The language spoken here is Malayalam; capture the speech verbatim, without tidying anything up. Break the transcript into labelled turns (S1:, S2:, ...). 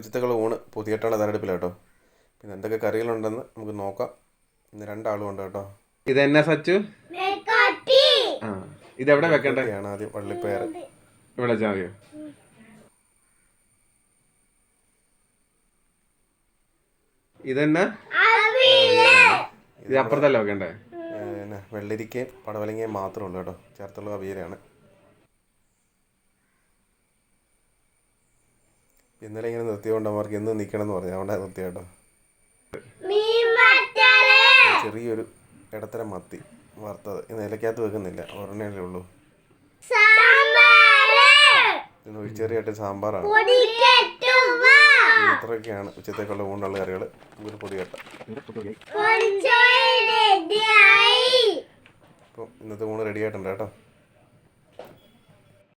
S1: ഉച്ചത്തേക്കുള്ള ഊണ് പുതിയട്ടാണ് തരടുപ്പില്ല കേട്ടോ. പിന്നെ എന്തൊക്കെ കറികളുണ്ടെന്ന് നമുക്ക് നോക്കാം. ഇന്ന് രണ്ടാളും ഉണ്ട് കേട്ടോ.
S2: ഇതെന്നാ സച്ചു? ആ ഇതെവിടെ വെക്കണ്ടേ?
S1: ആദ്യം വള്ളിപ്പയർ
S2: ഇവിടെ ചാവിയോ? ഇതെന്നാ? ഇത് അപ്പുറത്തല്ല വെക്കണ്ടേ?
S1: പിന്നെ വെള്ളരിക്കയും പടവലങ്ങയും മാത്രമേ ഉള്ളൂ കേട്ടോ, ചേർത്തുള്ള അവിയലാണ്. ഇന്നലെ ഇങ്ങനെ നിർത്തിയോണ്ട് അവർക്ക് എന്ന് നിൽക്കണം എന്ന് പറഞ്ഞു, അതുകൊണ്ടാണ് നിർത്തിയ കേട്ടോ. ചെറിയൊരു ഇടത്തരം മത്തി വറുത്തത് ഇന്ന് ഇലക്കകത്ത് വെക്കുന്നില്ല, ഒരെണ്ണയല്ലേ ഉള്ളൂ. ഇന്ന് ഒഴിച്ചെറിയായിട്ട് സാമ്പാറാണ്. ഇത്രയൊക്കെയാണ് ഉച്ചത്തേക്കുള്ള ഊണുള്ള കറികൾ. ഒരു പൊടി കെട്ട ഇപ്പോൾ ഇന്നത്തെ ഊണ് റെഡി ആയിട്ടുണ്ട് കേട്ടോ.